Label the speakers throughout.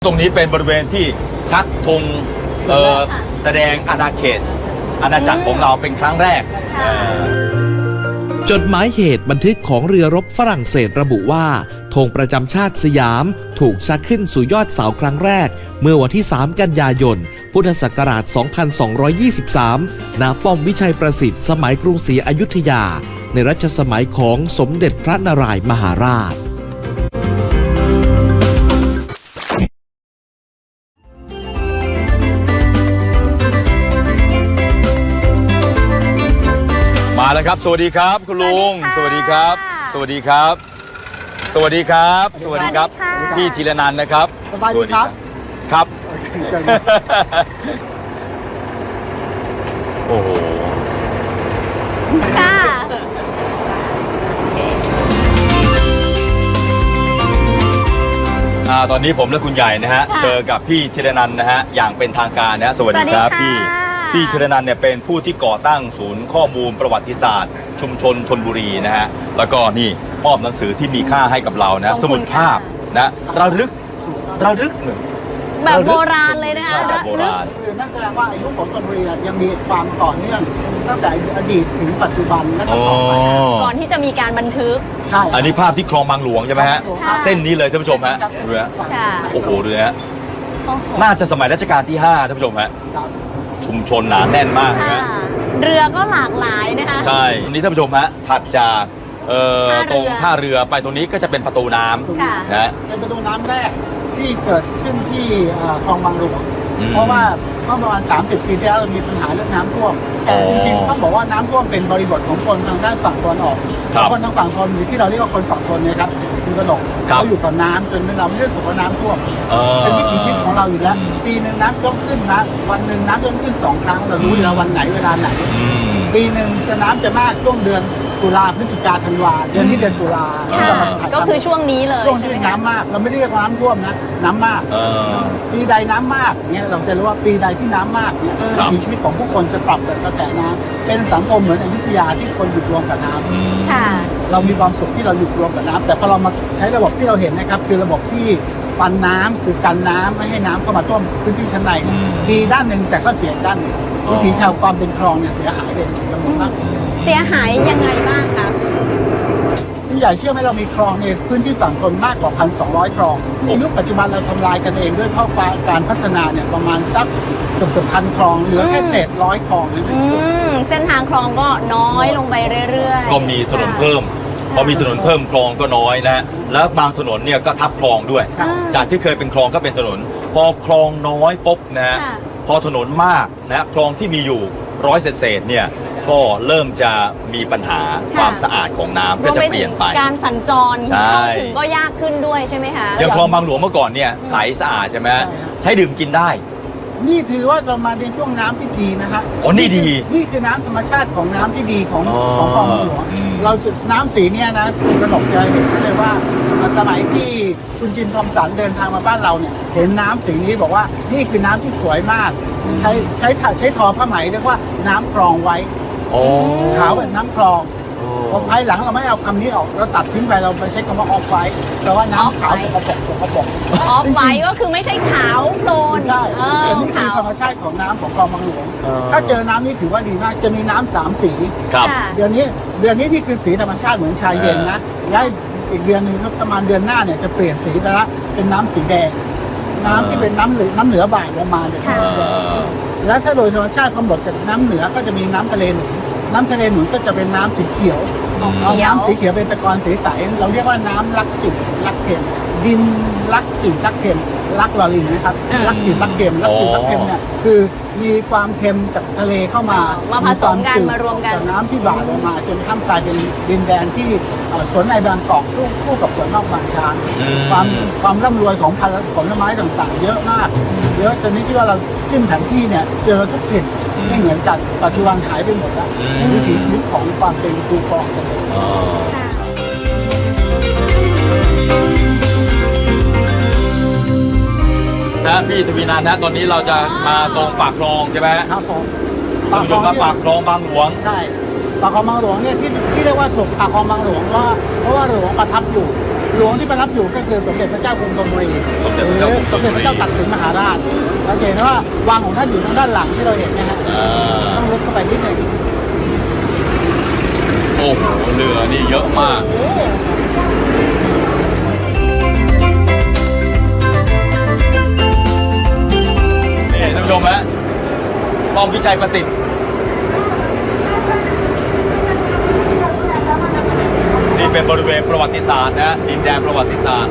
Speaker 1: ตรงนี้เป็นบริเวณที่ชักธงแสดงอาณาเขตอาณาจักรของเราเป็นครั้งแรก
Speaker 2: จดหมายเหตุบันทึกของเรือรบฝรั่งเศสระบุว่าธงประจำชาติสยามถูกชักขึ้นสู่ยอดเสาครั้งแรกเมื่อวันที่ 3 กันยายน พุทธศักราช 2223 ณ ป้อมวิชัยประสิทธิ์สมัยกรุงศรีอยุธยาในรัชสมัยของสมเด็จพระนารายณ์มหาราช
Speaker 1: มาแล้วครับสวัสดีครับคุณลุงสวัสดีครับสวัสดีครับสวัสดีครับสวัสดีครับพี่ธีรนันท์นะครับ
Speaker 3: สบายดีครับ
Speaker 1: ครับโอ้โห
Speaker 4: ค่ะ
Speaker 1: ตอนนี้ผมและคุณใหญ่นะฮะเจอกับพี่ธีรนันท์นะฮะอย่างเป็นทางการนะสวัสดีครับพี่ธีรนันท์เนี่ยเป็นผู้ที่ก่อตั้งศูนย์ข้อมูลประวัติศาสตร์ชุมชนธนบุรีนะฮะแล้วก็นี่มอบหนังสือที่มีค่าให้กับเรานะสมุดภาพนะระลึกหนึ่ง
Speaker 4: แบบโบราณเลยนะคะ
Speaker 1: แบบโบราณ
Speaker 3: คือนั่นแสดงว่าอายุของธนบุรียังมีความต่อเนื่องตั้งแต่อดีตถึงปัจจุบันและต่อไป
Speaker 4: ก่อนที่จะมีการบันทึก
Speaker 3: ใช่
Speaker 1: อันนี้ภาพที่คลองบางหลวงใช่ไหมฮะเส้นนี้เลยท่านผู้ชมฮะเรือโอ้โหเรือฮะน่าจะสมัยรัชกาลที่5ท่านผู้ชมฮะชุมชนหนาแน่นมากนะ
Speaker 4: เรือก็หลากหลายนะคะ
Speaker 1: ใช่นี่ท่านผู้ชมฮะถัดจากตรงท่าเรือไปตรงนี้ก็จะเป็นประตูน้ำนะ
Speaker 3: เป็นประตูน้ำแรกที่เกิดขึ้นที่คลองบางหลวงเพราะว่าเมื่อประมาณ30 ปีที่แล้วมีปัญหาเรื่องน้ำท่วมจริงๆต้องบอกว่าน้ำท่วมเป็นบริบทของคนทางด้านฝั่งตะวันออกคนทางฝั่งธนที่เราเรียกว่าคนฝั่งธนเนี่ยครับคือกระดกเขาอยู่กับน้ำจนเราไม่เรื่องของน้ำท่วมเป็นวิถีชีวิตของเราอยู่แล้วปีหนึ่งน้ำท่วมขึ้นนะวันหนึ่งน้ำท่วมขึ้น2 ครั้งเรารู้อยู่แล้ววันไหนเวลาไหนปีหนึ่งจะน้ำจะมากช่วงเดือนตุลาพฤศจิกาธันวาเดือนที่เดือนตุลา
Speaker 4: ก็คือช่วงนี้เลย
Speaker 3: ช่วงที่น้ำมากเราไม่ได้เรียกน้ำท่วมนะน้ำมากปีใดน้ำมากเนี่ยเราจะรู้ว่าปีใดที่น้ำมากเนี่ยมีชีวิตของผู้คนจะปรับกับกระแสน้ำเป็นสังคมเหมือนอยุธยาที่คนอยู่รวมกับน้ำเรามีความสุขที่เราอยู่รวมกับน้ำแต่พอเรามาใช้ระบบที่เราเห็นนะครับคือระบบที่ปันน้ำคือกันน้ำไม่ให้น้ำเข้ามาท่วมพื้นที่ชั้นในดีด้านหนึ่งแต่ก็เสียด้านหนึ่งวิถีชาวความเป็นคลองเนี่ยเสียหายเป็นจำนวนมาก
Speaker 4: เสียหายยังไงบ้างคะ
Speaker 3: ผู้ใหญ่เชื่อไหมเรามีคลองในพื้นที่ฝั่งทนมากกว่า 1,200 คลองในยุคปัจจุบันเราทำลายกันเองด้วยข้อการพัฒนาเนี่ยประมาณสักเกือบ1,000 คลองเหลือแค่เศษ100 คลองนั่นเอง
Speaker 4: เส้นทางคลองก็น้อยลงไปเรื่อย
Speaker 1: ๆก็มีถนนเพิ่มพอมีถนนเพิ่มคลองก็น้อยนะแล้วบางถนนเนี่ยก็ทับคลองด้วยจากที่เคยเป็นคลองก็เป็นถนนพอคลองน้อยปุ๊บนะพอถนนมากนะคลองที่มีอยู่100 เศษเนี่ยก็เริ่มจะมีปัญหาความสะอาดของน้ำก็จะเปลี่ยนไป
Speaker 4: การสัญจรเข้าถึงก็ยากขึ้นด้วยใช่ไหมคะ
Speaker 1: อย่างคลองบางหลวงเมื่อก่อนเนี่ยใสสะอาดใช่ไหมใช้ดื่มกินได้
Speaker 3: นี่ถือว่าเรามาในช่วงน้ำที่ดีนะฮะ
Speaker 1: อ๋อนี่ดี
Speaker 3: นี่คือน้ำธรรมชาติของน้ำที่ดีของคลองบางหลวงเราจุดน้ำสีเนี่ยนะกระหนกจะเห็นเลยว่าสมัยที่คุณจินทอมสันเดินทางมาบ้านเราเนี่ยเห็นน้ำสีนี้บอกว่านี่คือน้ำที่สวยมากใช้ทอผ้าไหมเรียกว่าน้ำคลองไว้ขาวเป็นน้ำคลองพอภายหลังเราไม่เอาคำนี้ออกเราตัดทิ้งไปเราไปใช้คำว่าออฟไว้แปลว่าน้ำขาวสกปรก
Speaker 4: ออฟไว้ก็คือไม่ใช่ขาวโพลน
Speaker 3: ใช่แต่นี่คือธรรมชาติของน้ำของคลองบางหลวงถ้าเจอน้ำนี่ถือว่าดีมากจะมีน้ำ3 สีเดือนนี้นี่คือสีธรรมชาติเหมือนชาเย็นนะและอีกเดือนนึงครับประมาณเดือนหน้าเนี่ยจะเปลี่ยนสีไปละเป็นน้ำสีแดงน้ำที่เป็นน้ำเหนือบ่ายลงมาเนี่ยสีแดงและถ้าโดยธรรมชาติกำหนดจากน้ำเหนือก็จะมีน้ำทะเลหนุนน้ำทะเลหนุนก็จะเป็นน้ำสีเขียวเอาน้ำสีเขียวเป็นตะกอนสีใสเราเรียกว่าน้ำรักจืดรักเค็มดินรักจืดรักเค็มรักลอลิงนะครับรักจืดรักเค็มรักจืดรักเค็มเนี่ยคือมีความเค็มจากทะเลเข้ามา
Speaker 4: ผสมกันมารวมกัน
Speaker 3: น้ำที่บ่าลงมาจนข้ามกลายเป็นดินแดนที่สวนในบางกอกคู่กับสวนนอกบางช้างความร่ำรวยของผลไม้ต่างๆเยอะมากเยอะจนนี้ที่ว่าเราจิ้มแผนที่เนี่ยเจอทุกถิ่นไม่เหมือนกันปัจจุบันหายไปหมดแล้ววิถีชีวิตของความเป็นคูคลองกันเลย
Speaker 1: นะพี่ทวีนันท์นะตอนนี้เราจะมาตรงปากคลองใช่ไหม
Speaker 3: ครับผม
Speaker 1: ปากคลองปากคลองบางหลวง
Speaker 3: ใช่ปากคลองบางหลวงเนี่ยที่เรียกว่าถูกปากคลองบางหลวงเพราะว่าหลวงประทับอยู่หลวงที่ประทับอยู่ก็คือสมเด็จพระเจ้ากรุงธนบุรี
Speaker 1: สมเด็จพระเจ้ากรุงธนบุรี
Speaker 3: สมเด็จพระเจ้าตากสินมหาราชเราจะเห็นว่าวังของท่านอยู่ทางด้านหลังที่เราเห็นนะฮะ
Speaker 1: อ่า
Speaker 3: ต้องลึกเข้าไปนิดหนึง
Speaker 1: โอ้โหเรือนี่เยอะมาก นี่ท่านผู้ชมฮะป้อมวิชัยประสิทธิ์นี่เป็นบริเวณประวัติศาสตร์นะฮะดินแดนประวัติศาสตร์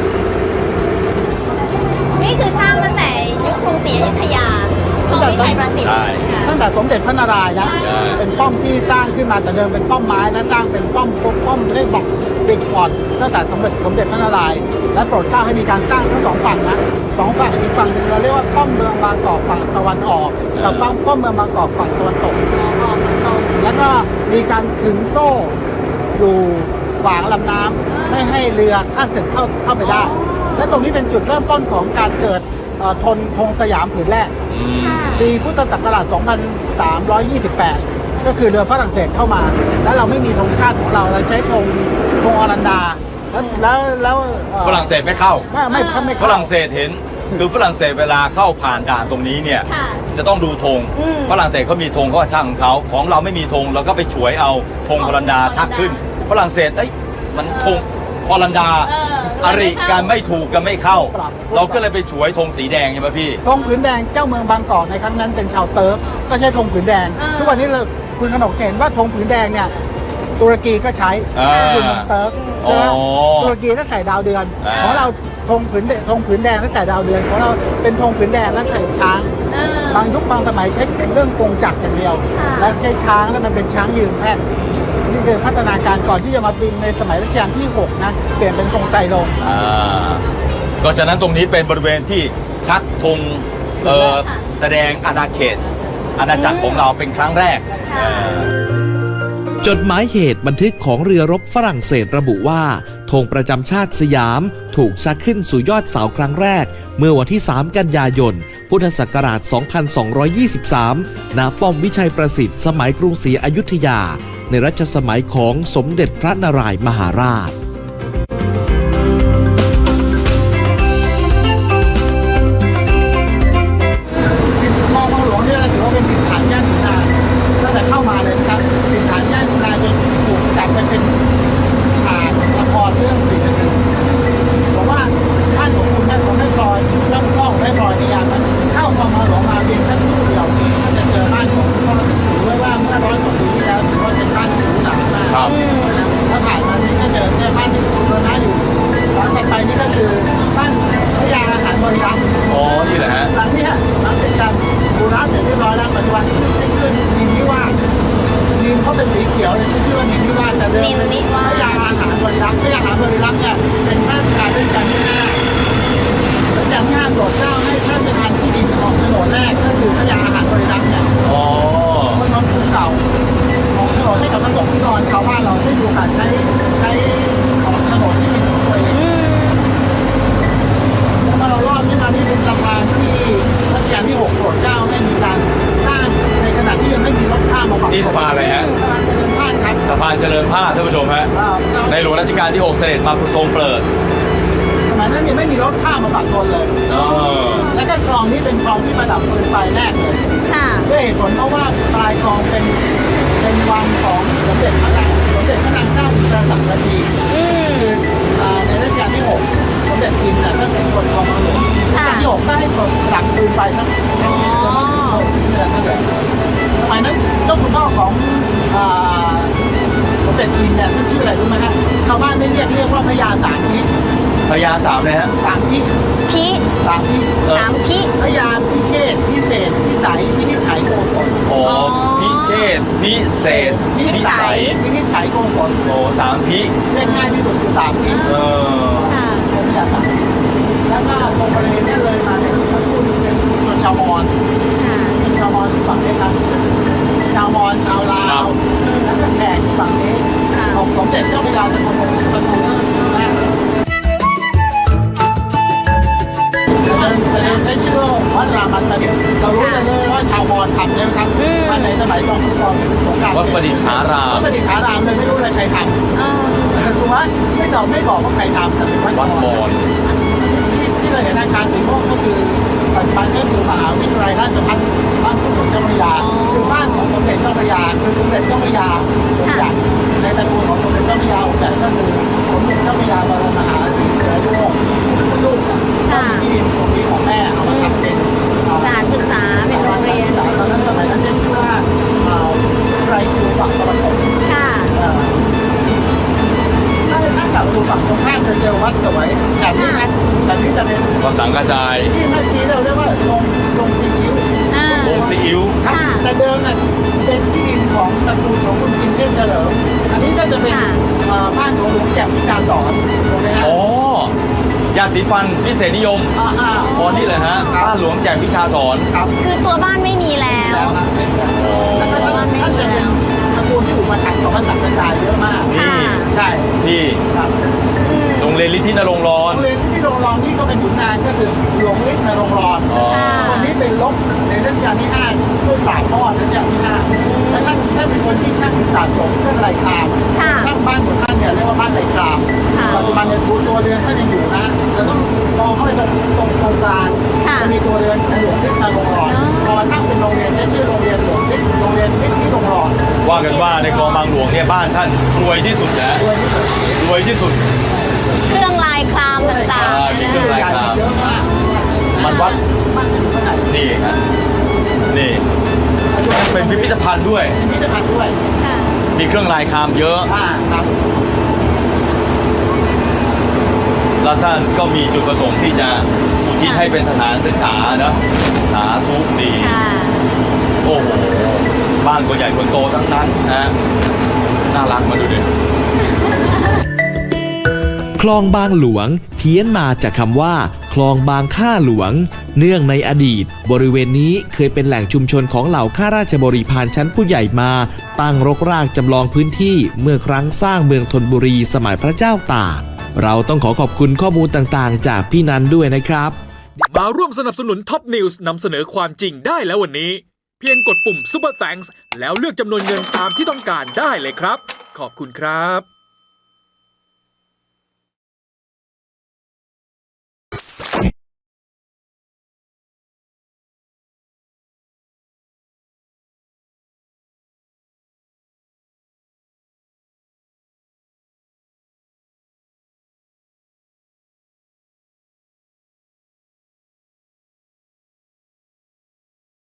Speaker 4: นี่คือสร้างตั้งแต่ยุคกรุงศรีอยุธยาของวิชัยประสิทธิ์
Speaker 1: ใช่
Speaker 4: ค่ะ
Speaker 3: ตั้งแต่สมเด็จพระนารายณ์นะ
Speaker 1: ใช่
Speaker 3: เป็นป้อมที่สร้างขึ้นมาแต่เดิมเป็นป้อมไม้นะสร้างเป็นป้อมเรียกบอกติดฟอร์ดตั้งแต่สมเด็จพระนารายณ์และโปรดเกล้าให้มีการสร้างทั้งสองฝั่งนะสองฝั่งอีกฝั่งหนึ่งเราเรียกว่าป้อมเมืองบางกอกฝั่งตะวันออกกับป้อมเมืองบางกอกฝั่งตะวันตก
Speaker 4: ออกตรง
Speaker 3: แล้วก็มีการขึงโซ่อยู่ขวางลำน้ำไม่ให้เรือข้ามศึกเข้าไปได้ และตรงนี้เป็นจุดเริ่มต้นของการเกิดธงสยามผืนแรก
Speaker 1: อืม
Speaker 3: ปีพุทธศักราช 2328 ก็คือเรือฝรั่งเศสเข้ามา แล้วเราไม่มีธงชาติของเราใช้ธงอรันดา แล้ว
Speaker 1: ฝรั่งเศสไม่เข้า
Speaker 3: ไม่
Speaker 1: ฝ
Speaker 3: เข้า
Speaker 1: รั่งเศสเห็น คือฝรั่งเศสเวลาเข้าผ่านด่านตรงนี้เนี่ย
Speaker 4: ค่ะ
Speaker 1: จะต้องดูธง
Speaker 4: อืม
Speaker 1: ฝรั่งเศสเขามีธงเขาก็ช่างของเขาของเราไม่มีธงเราก็ไปฉวยเอาธงฮอลันดาชักขึ้น ฝรั่งเศสเอ้ยมันธงฮอลันดา อริกันไม่ถูกกันไม่เข้า เราก็เลยไปฉวยธงสีแดงใช่ไหมพี่
Speaker 3: ธงผืนแดงเจ้าเมืองบางกอกในครั้งนั้นเป็นชาวเติร์กก็ใช้ธงผืนแดง ทุกวันนี้คุณขนกเห็นว่าธงผืนแดงเนี่ยตุรกีก็ใช้
Speaker 1: อ่า
Speaker 3: คือเมืองเติร์กใช่ไหม
Speaker 1: อ๋อ
Speaker 3: ตุรกีตั้งแต่ดาวเดือน
Speaker 1: อ่า
Speaker 3: ของเราธงผืนแดงตั้งแต่ดาวเดือนของเราเป็นธงผืนแดงและไข่ช้าง บางยุคบางสมัยใช้เรื่องกงจักรอย่างเดียว
Speaker 4: ค่ะ
Speaker 3: และใช้ช้างแล้วมันเป็นช้างยืนแท่นนี่คือพัฒนาการก่อนที่จะมาเป็นในสมัยรัชกาลที่ 6 นะ เปลี่ยนเป็นธงไตรรงค์
Speaker 1: ก็ฉะนั้นตรงนี้เป็นบริเวณที่ชักธงแสดงอาณาเขต อาณาจักรของเราเป็นครั้งแรก
Speaker 4: ค่ะ
Speaker 2: จดหมายเหตุบันทึกของเรือรบฝรั่งเศสระบุว่าธงประจำชาติสยามถูกชักขึ้นสู่ยอดเสาครั้งแรก เมื่อวันที่ 3 กันยายน พุทธศักราช 2223 ณ ป้อมวิชัยประสิทธิ์สมัยกรุงศรีอยุธยา ในรัชสมัยของสมเด็จพระนารายมหาราช
Speaker 3: คลองบางหลวงนี่เราถือว่าเป็นดินฐานย่านขุนนางตั้งแต่เข้ามาเลยนะครับดินฐานย่านขุนนางจนถูกจัดไปเป็นฉากละครเรื่องสีนึงบอกว่าท่านของคุณแม่ของแม่พลอยเจ้าพ่อของแม่พลอยในยามนั้นเข้าคลองบางหลวงมาเพียงแค่ตู้เดียวก็จะเจอบ้านของคุณพ่อถือว่าเมื่อ100 กว่าปีที่แล้วถือว่าเป็นบ้านหรูหรามาก
Speaker 1: ครับ
Speaker 3: ถ้าผ่านมานี่ก็เจอบ้านที่คุณรนะอยู่หลังจากไปนี่ก็คือบ้านพระยาอาหารบริรัมย์
Speaker 1: อ๋อ นี่แหละฮะ
Speaker 3: หลังเนี้หลังจากการบูรณะเสร็จเรียบร้อยแล้วปัจจุบันขึ้นนินนิวาสนินเขาเป็นสีเขียวเลยชื่อว่านินนิวาสแต่เดิมเป็น
Speaker 4: นินนิวาส
Speaker 3: พระยาอาหารบริรัมย์พระยาอาหารบริรัมย์เนี่ยเป็นข้าราชการราชการที่5รัชกาลที่5โปรดเกล้าให้ท่านประธานที่ดินออกโฉนดแรกก็คือพระยาอาหารบริรัมย์เนี่ย
Speaker 1: อ๋อ
Speaker 3: บนถนนภูเก่าของโฉนดให้กับพระสงฆ์ที่นอนชาวบ้านเราได้ดูการใช้ของโฉนดที่ดินของตัวเองแล้วมาเรารอบนี้มานี่เป็นสะพานที่รัชกาลที่6โปรดเกล้าให้มีการสร้างในขณะที่ยังไม่มีรถข้ามมาฝั่ง
Speaker 1: นี่สะพานอะไรฮะ
Speaker 3: สะพานเดินผ่านครับ
Speaker 1: สะพานเจริญภาพท่านผู้ชมฮะ ในหลวงรัชกาลที่ 6 เสด็จมาทรงเปิด
Speaker 3: สมัยนั้นยังไม่มีรถข้ามมาฝั่งทนเลย
Speaker 1: อ๋อ
Speaker 3: แล้วก็คลองนี้เป็นคลองที่ประดับฟืนไฟแรกเลย
Speaker 4: ค่ะ
Speaker 3: ด้วยเหตุผลเพราะว่าปลายคลองเป็นวังของสมเด็จพระนางเจ้าอินทราสังกที
Speaker 4: อืม
Speaker 3: คือในรัชกาลที่ 6 สมเด็จจินท่านเป็นคนคลองบางหลวงรัช
Speaker 4: ค่ะ
Speaker 3: กาลที่ 6 ก็ให้คนหลังปืนไฟทั้งสมัยนั้นเจ้าคุณพ่อของสมเด็จจินเนี่ยท่านชื่ออะไรรู้ไหมฮะชาวบ้านไม่เรียกว่าพญาสามทิ
Speaker 1: พญาสามเลยฮะ
Speaker 3: สามทิ
Speaker 4: พิ
Speaker 3: สามทิ
Speaker 4: สามพิ
Speaker 3: พญาพิเชษพิเศษพิสัยพินิจฉัยโกศล
Speaker 1: โอ้พิเชษพิเศษพิสัย
Speaker 3: พินิจฉัยโกศล
Speaker 1: โอ้สามพิ
Speaker 3: เรียกง่ายที่สุดคือสามทิ
Speaker 1: เออ
Speaker 4: ค่ะ
Speaker 3: เป็นพญาสามทิแล้วก็ตรงบริเวณนี้เลยมาเนี่ยท่านพูดเป็นชนชาวมอญ
Speaker 4: ค่ะ
Speaker 3: ชาวมอญฝั่งนี้ครับชาวมอญชาวลาวแล้วก็แขกฝั่งนี้
Speaker 4: ค่ะ
Speaker 3: ของสมเด็จเจ้าพระยาสังคมตระกูลแรกแต่เดิมใช้ชื่อว่าวัดรามันประดิษฐ์เรารู้เลยว่าชาวมอญทำใช่ไหมครับว่าในสมัยจอมพลปสงคราม
Speaker 1: วัดประดิษฐาราม
Speaker 3: วัดประดิษฐารามเลยไม่รู้เลยใครทำ
Speaker 4: เออ
Speaker 3: ถูกไหมไม่บอกว่าใครทำแต่เป็นวัด
Speaker 1: วัด
Speaker 3: ม
Speaker 1: ม
Speaker 3: อ
Speaker 1: อ
Speaker 3: ญ
Speaker 1: ญ
Speaker 3: ที่เราเห็นอาคารสีม่วงก็คือปัจจุบันก็คือมหาวิทยาลัยราชภัฏบ้านสมเด็จเจ้าพระยาคือบ้านของสมเด็จเจ้าพระยาคือสมเด็จเจ้าพระยาองค์ใหญ่ในตระกูลของสมเด็จเจ้าพระยาองค์ใหญ่ก็คือสมเด็จเจ้าพระยาบรมมหาวิทยาลัยลูกก็มีที่ดินตรงนี้ของแม่เอามาทำเป็น
Speaker 4: สถานศึกษาเป็นโรงเรียน
Speaker 3: ตอนนั้นสมัยนั้นเรียกว่าไรครูฝั่งตะวันตก
Speaker 4: ค่ะ
Speaker 3: ถ้ากลับดูฝั่งตรงข้ามจะเจอวัดสวยแต่นี่จะเป็น
Speaker 1: ก็สังกระจาย
Speaker 3: ที่เมื่อกี้เราเรียกว่าลงซีอิ๊ว
Speaker 4: อ่า
Speaker 1: โงซีอิ๊ว
Speaker 3: ครับแต่เดิมน่ะเป็นที่ดินของตระกูลของคุณกินเทพเฉลิมอันนี้ก็จะเป็นบ้านของหลวงแจ่มวิชาสอนถูกไหมฮะ
Speaker 1: อ๋อยาสีฟันพิเศษนิยมพอนี่เลยฮะบ้านหลวงแจกวิชาสอน
Speaker 3: ครับ
Speaker 4: คือตัวบ้านไม่มีแล้ว
Speaker 3: แล้วครับแล้วก็ท่านจะเป็นตระกูลที่อุปถัมภ์ของพระสังฆราชเยอะมาก
Speaker 1: นี่
Speaker 3: ใช่
Speaker 1: ที่
Speaker 3: ครับ
Speaker 1: โรงเรียนลิทธินรงค์ร้อ
Speaker 3: โร
Speaker 1: น
Speaker 3: งเรียนที่โรงรองนี่ก็เป็นขุนนางก็คือหลวงฤทธิ์นรงค์รอน
Speaker 1: อ๋อ
Speaker 3: คนนี้เป็นลบในรัชกาลที่5ช่วยปราบพ่อรัชกาลที่5และท่านเป็นคนที่ช่างสะสมเครื่องลายคราม
Speaker 4: ค่ะ
Speaker 3: ช่างบ้านของท่านเนี่ยเรียกว่าบ้านลายคราม
Speaker 4: ค่ะ
Speaker 3: ปัจจุบันเนี่ยตัวเรือนท่านยังอยู่นะจะต้องมองเข้าไปตรงกลาง
Speaker 4: ค่ะ
Speaker 3: จะมีตัวเรือนของหลวงฤทธิ์นรงค์รอนพอมาตั้งเป็นโรงเรียนใช้ชื่อโรงเรียนหลวงฤทธิ์โรงเรียนฤทธิ์ที่โรงรอน
Speaker 1: ว่ากันว่าในคลองบางหลวงเนี่ยบ้านท่านรวยที่สุดนะ
Speaker 3: ด้วยที่สุด
Speaker 1: รวยที่สุด
Speaker 4: เครื่องลายครามต่าง
Speaker 1: มี
Speaker 4: ๆ
Speaker 1: เครื่องลาย
Speaker 3: ใหญ่เยอะมาก
Speaker 1: มันวัด
Speaker 3: มันจะอยู่ขนาด
Speaker 1: นี่ฮะนี่เป็นพิพิธภัณฑ์ด้วย
Speaker 3: พิพิธภัณฑ์ด้วย
Speaker 4: ค่ะ
Speaker 1: มีเครื่องลายครามเยอะ
Speaker 3: ครับ
Speaker 1: แล้วท่านก็มีจุดประสงค์ที่จะอุทิศให้เป็นสถานศึกษาเนอะสาธุดี
Speaker 4: ค่ะ
Speaker 1: โอ้โห บ้านคนใหญ่คนโตทั้งนั้นนะ น่ารักมาดูดิ
Speaker 2: คลองบางหลวงเพี้ยนมาจากคำว่า คลองบางข้าหลวง เนื่องในอดีต บริเวณนี้เคยเป็นแหล่งชุมชนของเหล่าข้าราชบริพารชั้นผู้ใหญ่มา ตั้งรกรากจำลองพื้นที่เมื่อครั้งสร้างเมืองธนบุรีสมัยพระเจ้าตาก เราต้องขอขอบคุณข้อมูลต่างๆ จากพี่นันด้วยนะครับ
Speaker 5: มาร่วมสนับสนุนท็อปนิวส์นำเสนอความจริงได้แล้ววันนี้ เพียงกดปุ่ม Super Thanks แล้วเลือกจำนวนเงินตามที่ต้องการได้เลยครับ ขอบคุณครับ